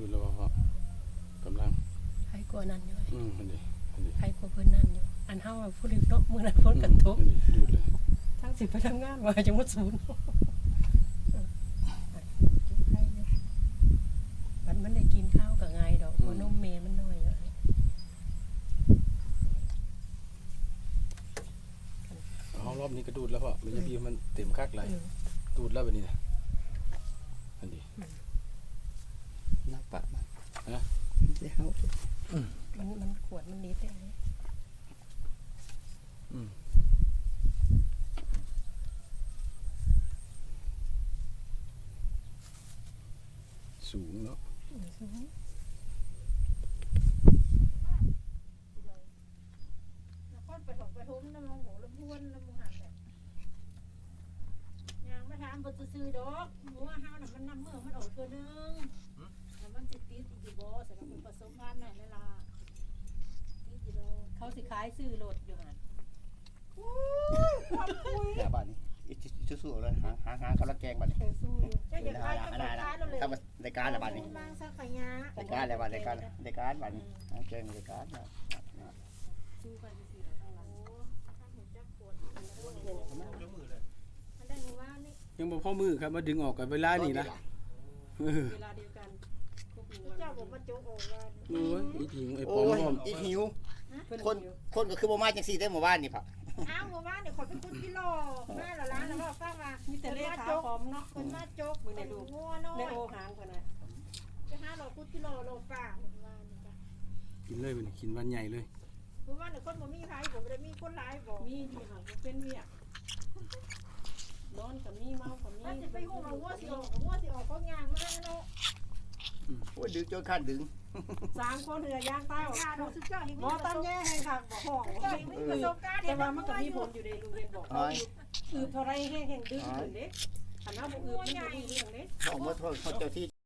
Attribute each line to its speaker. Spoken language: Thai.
Speaker 1: ดูแล้วว่ากำลัง
Speaker 2: ใครกลัวนั่นอยู่
Speaker 1: อันนี้
Speaker 2: ใครกลัวเพิ่นนั่นอยู่อันเฮาผู้ริบเนาะมื้อนั้นฝนกันตก
Speaker 1: ดูเลย
Speaker 2: ทั้งสิไปทำงานว่าจังหวัดศูนย์บัดมันได้กินข้าวก็ง่ายดอกเพราะนมแม่มันน้อยอะ
Speaker 1: เอารอบนี้ก็ดูดแล้วพ่อมันจะบีมันเต็มคักเลยดูดแล้วแบบนี้นะอันนี้
Speaker 3: นักปะมัน
Speaker 1: นะ
Speaker 3: เดี๋ยว
Speaker 2: มันขวดมันนิดเอง
Speaker 1: สูงเนาะ
Speaker 4: คนไปทุ่มน้ำมันโหลำพูนน้ำมันหันแบบยางมาถามบนซื้อดอกหมูว่าห้าวน่ะมันนำเมื่อมันออกตัวนึงแล้วมันติดอยู่บ่สำหรับคนผสมพันธุ์ไหนเวลาติดอยู่ดอก
Speaker 2: เขาสิขายซื้อรถอยู่หั่น
Speaker 4: ความคุย
Speaker 3: บ้านนี้อีสู้ๆเลยหาเขาละแกงบ้านนี้
Speaker 2: สู้อยู่
Speaker 4: จะอยากขายกับขายเราเลย
Speaker 3: ทำรายการอะไรบ้านนี้
Speaker 4: บางสักขยะ
Speaker 3: รายการอะไรบ้านรายการบ้านนี้แกงรายการ
Speaker 2: สู้กันสิๆข้างหลัง
Speaker 4: ท่านเห็นจักปวดมันได้หมู่บ้านนี่
Speaker 1: ยังบ่พ่อมือครับมาดึงออกกันเวลานี่นะ
Speaker 2: เวลาเดียวกันครบ1 วัน
Speaker 4: เจ้าผมมาโจกออกว่า
Speaker 1: โอ้ยอีถิงไอ้ป
Speaker 3: โอ้
Speaker 1: อม
Speaker 3: ย
Speaker 1: พร้อม
Speaker 3: อีหิว
Speaker 2: เพิ่น
Speaker 3: คนก็คือบ่มาจังซี่ได้หมู่บ้านนี่ผัก
Speaker 4: อ้าวหมู่บ้านเนี่ยคนเป็นคนกิโลแม่เราล้างแล้วก็ฟังว่า
Speaker 2: มีแต่เลขขาพร้อมเนาะ
Speaker 4: คนมาโจกคนงัวน้อย
Speaker 2: ในโอหางเพิ่นน่ะ
Speaker 4: จะ500กิโลโลป่าหมู่บ้านนี่จ้ะ
Speaker 1: กินเลยมันกินวันใหญ่เลย
Speaker 4: หมู่บ้านเนี่ยคนบ่มีไผบ่ได้มีคนหลายบ่
Speaker 2: มีที่หางบ่เป็นเวียกนอนก็มีเมาก็มี
Speaker 4: ถ้าสิไปฮู้ว่างัวสิออกก็ย่างมาเนาะ
Speaker 3: โอ้ยดึงจนขั้นดึง
Speaker 2: 3คนเรือย่างใต้
Speaker 4: กาดูสุดยอดอีก
Speaker 2: บ่ตำแย่ให้คักบ่ห้อง
Speaker 4: มีประสบการณ์
Speaker 2: แต่ว่ามันก็มีผลอยู่ในลุงเรียนบอกคือเท่าไรแห้งๆดึงขึ้นเด้คันเฮาบ่อืดมันบ่มีเรื่องเด้
Speaker 3: เขามาโทษเขาเจ้าที่